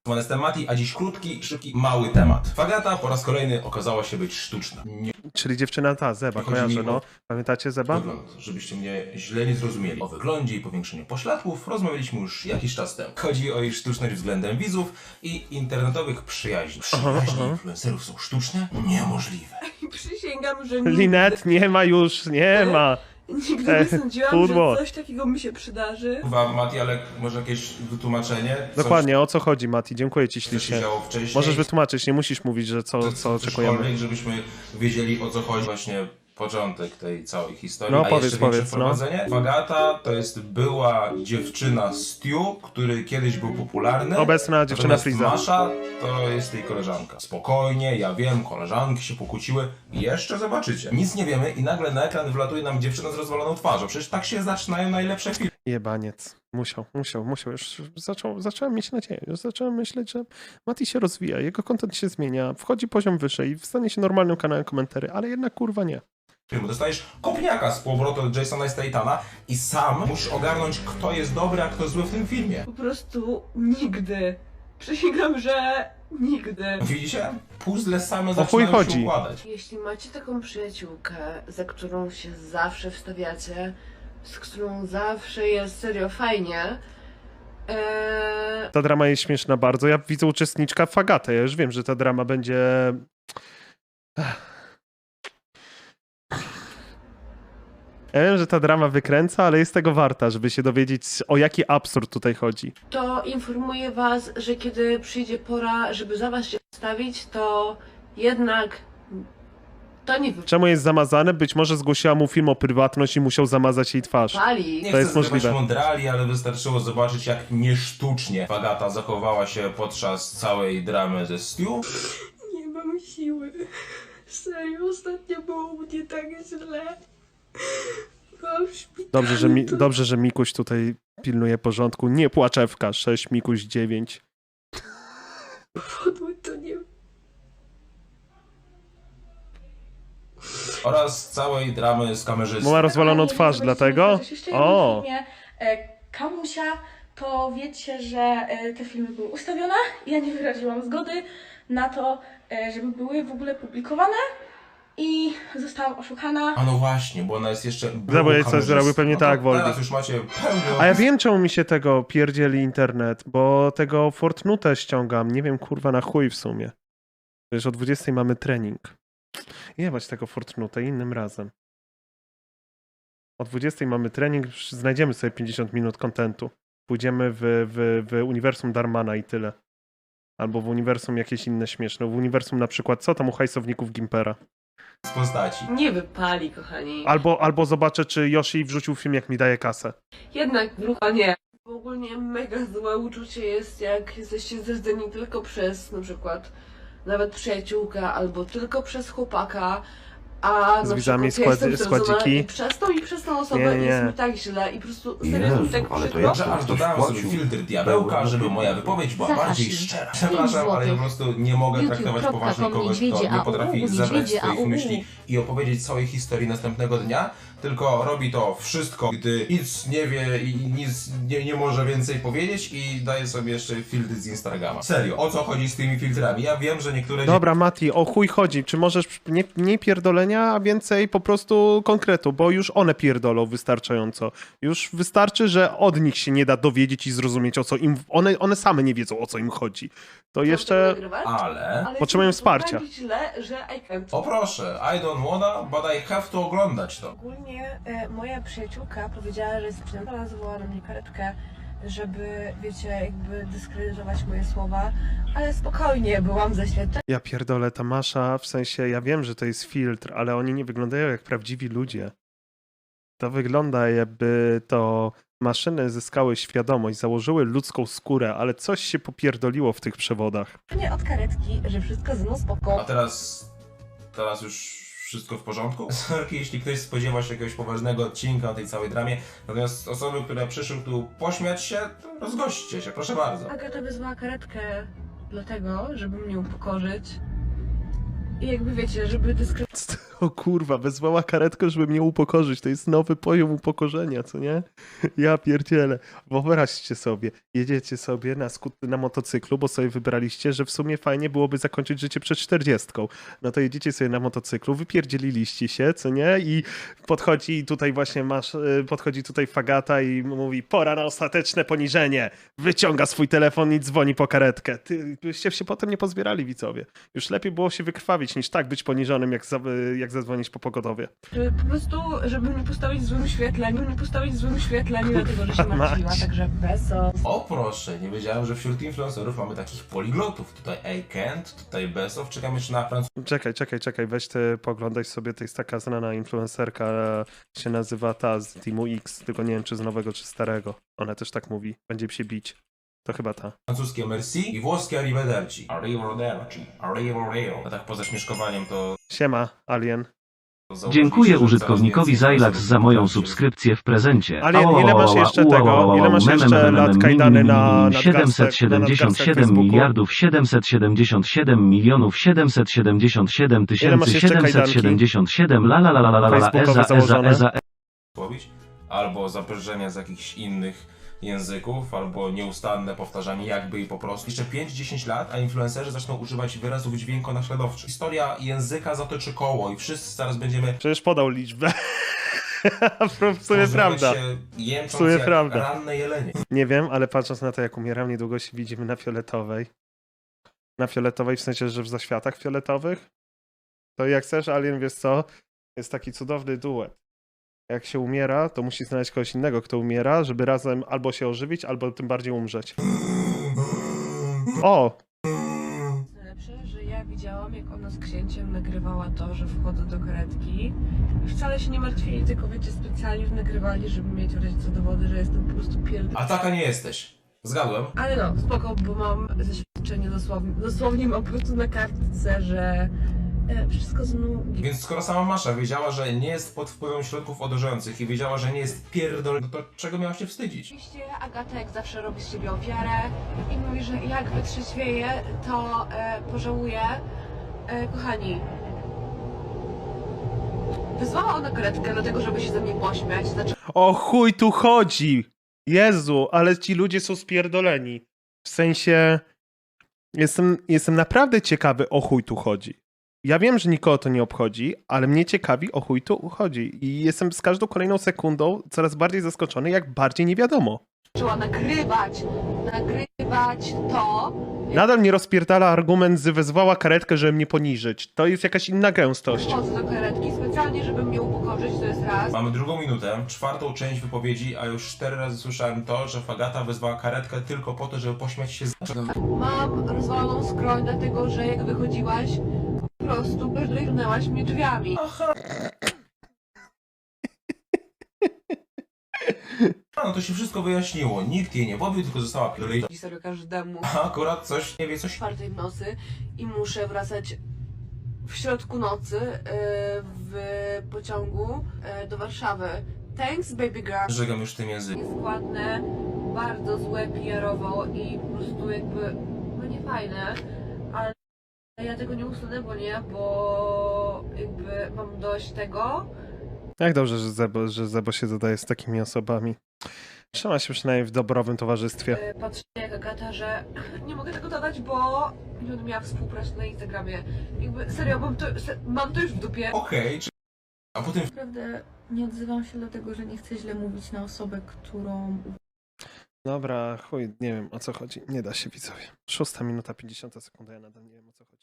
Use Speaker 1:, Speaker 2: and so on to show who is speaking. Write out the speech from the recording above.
Speaker 1: Jestem Mati, a dziś krótki, szybki, mały temat. Fagata po raz kolejny okazała się być sztuczna. Nie
Speaker 2: Czyli dziewczyna ta, Zeba,
Speaker 1: chodzi mi
Speaker 2: kojarzę, no. Pamiętacie Zeba?
Speaker 1: wygląd, żebyście mnie źle nie zrozumieli. O wyglądzie i powiększeniu pośladków rozmawialiśmy już jakiś czas temu. Chodzi o jej sztuczność względem widzów i internetowych przyjaźni. Przyjaźnie influencerów są sztuczne? Niemożliwe.
Speaker 3: Przysięgam, że nigdy,
Speaker 2: Linet, nie ma już, nie ma.
Speaker 3: nigdy nie sądziłam,
Speaker 2: pudło.
Speaker 3: że coś takiego mi się przydarzy.
Speaker 1: Kurwa, Mati, ale może jakieś wytłumaczenie?
Speaker 2: Dokładnie, o co chodzi, Mati? Dziękuję ci
Speaker 1: Co się
Speaker 2: ślicznie.
Speaker 1: działo wcześniej?
Speaker 2: Możesz wytłumaczyć, nie musisz mówić, że co oczekujemy.
Speaker 1: Cokolwiek, żebyśmy wiedzieli, o co chodzi. Właśnie początek tej całej historii.
Speaker 2: No,
Speaker 1: A
Speaker 2: powiedz,
Speaker 1: jeszcze większe
Speaker 2: powiedz, no.
Speaker 1: wprowadzenie. Fagata to jest była dziewczyna Stu, który kiedyś był popularny.
Speaker 2: Obecna dziewczyna
Speaker 1: Natomiast
Speaker 2: Freeza.
Speaker 1: Masza to jest jej koleżanka. Spokojnie, ja wiem, koleżanki się pokłóciły. Jeszcze zobaczycie. Nic nie wiemy i nagle na ekran wlatuje nam dziewczyna z rozwaloną twarzą. Przecież tak się zaczynają najlepsze filmy.
Speaker 2: Jebaniec. Musiał. Już zacząłem mieć nadzieję. Już zacząłem myśleć, że Mati się rozwija, jego content się zmienia, wchodzi poziom wyżej i stanie się normalnym kanałem komentarzy, ale jednak kurwa nie.
Speaker 1: Dostajesz kopniaka z powrotu od Jasona Statana i sam musisz ogarnąć, kto jest dobry, a kto zły w tym filmie.
Speaker 3: Po prostu nigdy. Przysięgam, że nigdy.
Speaker 1: Widzicie? Puzzle same
Speaker 2: O chuj
Speaker 1: zaczynają się
Speaker 2: chodzi.
Speaker 1: układać.
Speaker 3: Jeśli macie taką przyjaciółkę, za którą się zawsze wstawiacie, z którą zawsze jest serio fajnie,
Speaker 2: Ta drama jest śmieszna bardzo. Ja widzę uczestniczka Fagatę. Ja już wiem, że ta drama będzie... Ja wiem, że ta drama wykręca, ale jest tego warta, żeby się dowiedzieć, o jaki absurd tutaj chodzi.
Speaker 3: to informuję was, że kiedy przyjdzie pora, żeby za was się wstawić, to jednak to nie
Speaker 2: Czemu jest zamazane? Być może zgłosiła mu film o prywatność i musiał zamazać jej twarz.
Speaker 3: wypali.
Speaker 1: Nie
Speaker 2: To
Speaker 1: chcę
Speaker 2: jest możliwe.
Speaker 1: zbywać mądrali, ale wystarczyło zobaczyć, jak niesztucznie Fagata zachowała się podczas całej dramy ze Stu.
Speaker 3: Nie mam siły. Serio, ostatnio było u mnie tak źle. Byłam w szpitalu.
Speaker 2: Dobrze, że Mikuś tutaj pilnuje porządku. Nie płaczewka. 6, Mikuś 9.
Speaker 3: Podły to nie...
Speaker 1: Oraz całej dramy z kamerzystą.
Speaker 2: Bo ma rozwaloną twarz, dlatego? O!
Speaker 4: filmie Kamusia, to wiecie, że te filmy były ustawione. Ja nie wyraziłam zgody na to, żeby były w ogóle publikowane i zostałam oszukana.
Speaker 1: A no właśnie, bo ona jest jeszcze...
Speaker 2: Bo jej coś zrobił pewnie
Speaker 1: No to
Speaker 2: tak, Woldy.
Speaker 1: teraz już macie pełny
Speaker 2: A ja wiem, czemu mi się tego pierdzieli internet, bo tego Fortnite ściągam. Nie wiem, kurwa, na chuj w sumie. Wiesz, o 20 mamy trening. Jebać tego Fortnite innym razem. O 20 mamy trening, znajdziemy sobie 50 minut kontentu. Pójdziemy w uniwersum Darmana i tyle. Albo w uniwersum jakieś inne śmieszne. W uniwersum na przykład, co tam u hajsowników Gimpera?
Speaker 1: z postaci.
Speaker 3: Nie wypali, kochani.
Speaker 2: Albo zobaczę, czy Yoshi wrzucił film, jak mi daje kasę.
Speaker 3: Jednak grucha nie. Ogólnie mega złe uczucie jest, jak jesteście zdradzeni tylko przez na przykład nawet przyjaciółkę, albo tylko przez chłopaka, a
Speaker 2: Z
Speaker 3: na
Speaker 2: widzami
Speaker 3: przykład ja jestem zdradzona
Speaker 2: składziki.
Speaker 3: i przez tą osobę
Speaker 2: Nie.
Speaker 3: jest mi tak źle i po prostu serio jest mi tak
Speaker 5: ale to
Speaker 3: przykro.
Speaker 5: ja-
Speaker 1: Że aż dodałem sobie filtr diabełka, żeby moja wypowiedź była bardziej szczera. Przepraszam, ale ja po prostu nie mogę traktować poważnie kogoś, kto nie potrafi zebrać swoich myśli i opowiedzieć całej historii następnego dnia, tylko robi to wszystko, gdy nic nie wie i nic nie może więcej powiedzieć i daje sobie jeszcze filtry z Instagrama. Serio, o co chodzi z tymi filtrami? Ja wiem, że niektóre...
Speaker 2: Dobra, Mati, o chuj chodzi. Czy możesz nie pierdolenia, a więcej po prostu konkretu, bo już one pierdolą wystarczająco. Już wystarczy, że od nich się nie da dowiedzieć i zrozumieć, o co im... One same nie wiedzą, o co im chodzi. To jeszcze...
Speaker 1: Ale...
Speaker 2: Potrzebują
Speaker 3: jest mi to
Speaker 2: wsparcia.
Speaker 3: tak źle, że I can't.
Speaker 1: O proszę, I don't wanna, but I have to oglądać to.
Speaker 4: Ogólnie moja przyjaciółka powiedziała, że jest przynajmniej zawołała na mnie karetkę, żeby, wiecie, jakby dyskredytować moje słowa, ale spokojnie, byłam zaświadczona.
Speaker 2: Ja pierdolę, ta Masza, w sensie, ja wiem, że to jest filtr, ale oni nie wyglądają jak prawdziwi ludzie. To wygląda, jakby to maszyny zyskały świadomość, założyły ludzką skórę, ale coś się popierdoliło w tych przewodach.
Speaker 4: Nie od karetki, że wszystko ze mną
Speaker 1: A
Speaker 4: spoko.
Speaker 1: teraz już wszystko w porządku? Sorki, jeśli ktoś spodziewa się jakiegoś poważnego odcinka o tej całej dramie, natomiast osoby, które przyszły tu pośmiać się, to rozgośćcie się, proszę bardzo.
Speaker 4: Agata wezwała karetkę dlatego, żeby mnie upokorzyć
Speaker 3: I jakby wiecie, żeby
Speaker 2: O kurwa, wezwała karetkę, żeby mnie upokorzyć. To jest nowy poziom upokorzenia, co nie? Ja pierdzielę. Wyobraźcie sobie, jedziecie sobie na motocyklu, bo sobie wybraliście, że w sumie fajnie byłoby zakończyć życie przed 40. No to jedziecie sobie na motocyklu, wypierdzieliliście się, co nie? I podchodzi tutaj właśnie podchodzi tutaj fagata i mówi: pora na ostateczne poniżenie. Wyciąga swój telefon i dzwoni po karetkę. Byście się potem nie pozbierali, widzowie. Już lepiej było się wykrwawić, niż tak być poniżonym, jak zadzwonić po pogodowie.
Speaker 3: po prostu, żeby nie postawić w złym świetle, dlatego, że się martwiła,
Speaker 2: mać.
Speaker 3: także beso.
Speaker 1: O proszę, nie wiedziałem, że wśród influencerów mamy takich poliglotów. Tutaj Akent, tutaj Besow, czekam jeszcze na
Speaker 2: Czekaj, weź ty pooglądaj sobie, to jest taka znana influencerka, się nazywa ta z Teamu X, tylko nie wiem czy z nowego czy starego. Ona też tak mówi, będzie się bić. To chyba ta.
Speaker 1: francuskie merci i włoskie arrivederci. Arrivederci. A tak poza śmieszkowaniem to...
Speaker 2: Siema, Alien.
Speaker 5: Dziękuję użytkownikowi Zailax za moją subskrypcję w prezencie.
Speaker 2: Alien, ile masz jeszcze tego? Ile masz jeszcze lat kajdany na nadgarstek
Speaker 5: 777 miliardów 777 milionów 777
Speaker 2: Ile masz
Speaker 5: tysięcy
Speaker 2: jeszcze kajdanki?
Speaker 5: 777 la la la la la la la
Speaker 2: Facebookowe założone?
Speaker 5: eza
Speaker 1: Mówić? Albo zaprzężenia z jakichś innych języków, albo nieustanne powtarzanie jakby i po prostu. Jeszcze 5-10 lat, a influencerzy zaczną używać wyrazów dźwiękonaśladowczych. Historia języka zatoczy koło i wszyscy zaraz będziemy...
Speaker 2: Przecież podał liczbę. W sumie prawda.
Speaker 1: się jęcząc
Speaker 2: W sumie
Speaker 1: jak
Speaker 2: prawda.
Speaker 1: ranne jelenie.
Speaker 2: Nie wiem, ale patrząc na to, jak umieram, niedługo się widzimy na fioletowej. Na fioletowej w sensie, że w zaświatach fioletowych. To jak chcesz, Alien, wiesz co? Jest taki cudowny duet. Jak się umiera, to musi znaleźć kogoś innego, kto umiera, żeby razem albo się ożywić, albo tym bardziej umrzeć. O!
Speaker 3: Najlepsze, że ja widziałam, jak ona z księciem nagrywała to, że wchodzą do karetki. I wcale się nie martwili, tylko wiecie, specjalnie nagrywali, żeby mieć w razie co dowody, że jestem po prostu
Speaker 1: A taka nie jesteś. Zgadłem.
Speaker 3: Ale no, spoko, bo mam zaświadczenie dosłownie mam po prostu na kartce, że wszystko z mną...
Speaker 1: Więc skoro sama Masza wiedziała, że nie jest pod wpływem środków odurzających i wiedziała, że nie jest pierdol, no to czego miała się wstydzić?
Speaker 3: Oczywiście Agata jak zawsze robi z siebie ofiarę i mówi, że jak wytrzeźwieje, to pożałuje. Kochani, wyzwała ona karetkę dlatego, żeby się ze mnie pośmiać. Znaczy,
Speaker 2: O chuj tu chodzi! Jezu, ale ci ludzie są spierdoleni. W sensie... Jestem naprawdę ciekawy, o chuj tu chodzi. Ja wiem, że nikogo to nie obchodzi, ale mnie ciekawi, o chuj tu chodzi. I jestem z każdą kolejną sekundą coraz bardziej zaskoczony, jak bardziej nie wiadomo.
Speaker 3: zaczęła nagrywać to.
Speaker 2: Nadal mnie rozpierdala argument, że wezwała karetkę, żeby mnie poniżyć. To jest jakaś inna gęstość.
Speaker 3: Wchodzę do karetki specjalnie, żeby mnie upokorzyć, to jest raz.
Speaker 1: Mamy drugą minutę, czwartą część wypowiedzi, a już 4 razy słyszałem to, że Fagata wezwała karetkę tylko po to, żeby pośmiać się z...
Speaker 3: Mam rozwaloną skroń, dlatego że jak wychodziłaś, po prostu berlinęłaś mnie drzwiami.
Speaker 1: A, no to się wszystko wyjaśniło. Nikt jej nie pobił, tylko została pierdolona.
Speaker 3: I serio każdemu
Speaker 1: A akurat coś, nie wie coś...
Speaker 3: 4 w nocy i muszę wracać w środku nocy w pociągu do Warszawy. Thanks baby girl.
Speaker 1: Żegam już tym językiem.
Speaker 3: Nieskładne, bardzo złe PR-owo i po prostu jakby no nie fajne, ale ja tego nie usunę, bo jakby mam dość tego.
Speaker 2: Jak dobrze, że Zebo się zadaje z takimi osobami. Trzyma się przynajmniej w dobrowym towarzystwie.
Speaker 3: Patrzę jak Agata, że nie mogę tego dodać, bo nie będę miała współpracy na Instagramie. Jakby serio, mam to już w dupie.
Speaker 1: Okej, a potem...
Speaker 6: Naprawdę nie odzywam się dlatego, że nie chcę źle mówić na osobę, którą
Speaker 2: Dobra, chuj, nie wiem o co chodzi. Nie da się, widzowie. 6 minuta, 50 sekund, ja nadal nie wiem o co chodzi.